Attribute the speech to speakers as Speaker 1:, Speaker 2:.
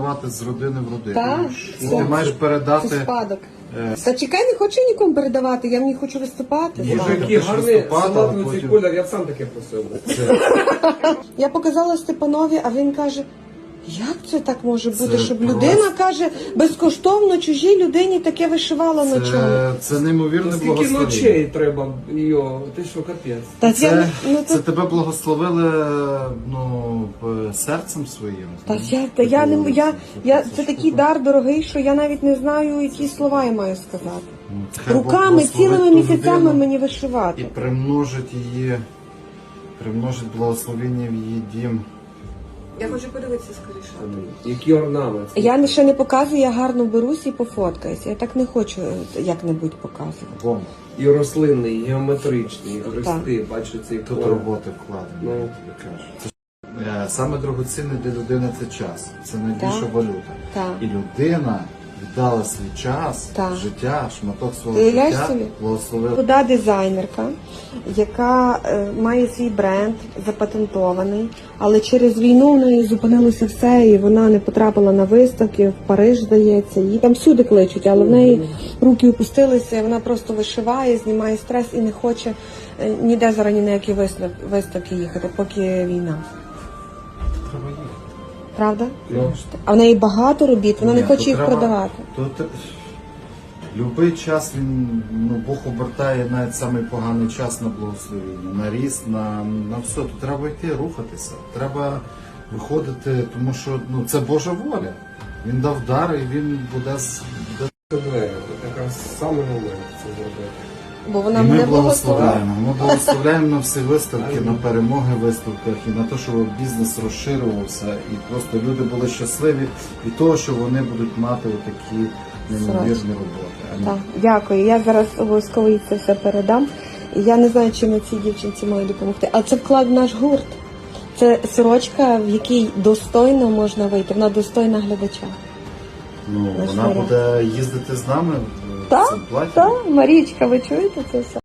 Speaker 1: передавати з родини в родину.
Speaker 2: Так,
Speaker 1: Ти маєш передати...
Speaker 2: Це спадок. Та чекай, не хочу нікому передавати, я не хочу виступати.
Speaker 1: Ні,
Speaker 3: Боже,
Speaker 1: ти
Speaker 3: який
Speaker 1: ж
Speaker 3: гарний
Speaker 1: виступати,
Speaker 3: салатний
Speaker 1: а
Speaker 3: цей
Speaker 1: потім-
Speaker 3: колір, я б сам таке просив.
Speaker 2: Я показала Степанові, а він каже, як це так може бути,
Speaker 1: Це
Speaker 2: щоб
Speaker 1: просто-
Speaker 2: людина каже, безкоштовно чужій людині таке вишивала ночами.
Speaker 1: Це неймовірне
Speaker 3: Скільки
Speaker 1: благословення.
Speaker 3: ночей треба його, ти що, капець.
Speaker 2: Та
Speaker 1: Це тебе благословили серцем своїм.
Speaker 2: це такий дар дорогий, що я навіть не знаю, які слова я маю сказати.
Speaker 1: Хай Бог
Speaker 2: Руками,
Speaker 1: благословить
Speaker 2: цілими
Speaker 1: ту
Speaker 2: місяцями
Speaker 1: людину
Speaker 2: мені
Speaker 1: і
Speaker 2: вишивати.
Speaker 1: примножить благословення в її дім.
Speaker 2: Я хочу подивитися скоріше.
Speaker 3: Який орнамент.
Speaker 2: Я ще не показую, я гарно беруся і пофоткаюся. Я так не хочу як-небудь показувати.
Speaker 1: Бомба.
Speaker 3: І рослинний, і геометричний, і хрести, бачу цей
Speaker 1: Тут
Speaker 3: колір.
Speaker 1: роботи вкладені,
Speaker 3: Ну.
Speaker 1: я тобі кажу. Саме дорогоцінне для людини це час. Це найбільша
Speaker 2: Так.
Speaker 1: валюта.
Speaker 2: Так.
Speaker 1: І людина віддала свій час,
Speaker 2: Так.
Speaker 1: життя, шматок свого
Speaker 2: Ти уявляєш
Speaker 1: життя,
Speaker 2: собі?
Speaker 1: благословила.
Speaker 2: Молода дизайнерка, яка має свій бренд запатентований, але через війну в неї зупинилося все, і вона не потрапила на виставки, в Париж, здається. Її там всюди кличуть, але в неї руки опустилися, і вона просто вишиває, знімає стрес і не хоче ніде зараз ні на які виставки їхати, поки війна.
Speaker 1: Треба їхати.
Speaker 2: Правда?
Speaker 3: Ну.
Speaker 2: А в неї багато робіт, вона не
Speaker 1: Ні,
Speaker 2: хоче
Speaker 1: то
Speaker 2: їх
Speaker 1: треба-
Speaker 2: продавати.
Speaker 1: Любий час Бог обертає навіть самий поганий час на благословення, на ріст, на все. Тут треба йти, рухатися. Треба виходити, тому що це Божа воля. Він дав дар і він буде
Speaker 3: Це двері, якраз саме момент це зробити.
Speaker 2: Бо вона
Speaker 1: І ми
Speaker 2: мене благословила.
Speaker 1: благословляємо. Ми благословляємо на всі виставки, на перемоги в виставках і на те, щоб бізнес розширювався, і просто люди були щасливі від того, що вони будуть мати отакі неймовірні роботи.
Speaker 2: Так, дякую. Я зараз обов'язково їй це все передам. І я не знаю, чим я цій дівчинці маю допомогти. Але це вклад в наш гурт. Це сорочка, в якій достойно можна вийти. Вона достойна глядача.
Speaker 1: Вона буде їздити з нами в
Speaker 2: Так,
Speaker 1: цьому платі.
Speaker 2: так, Марічка, ви чуєте це все?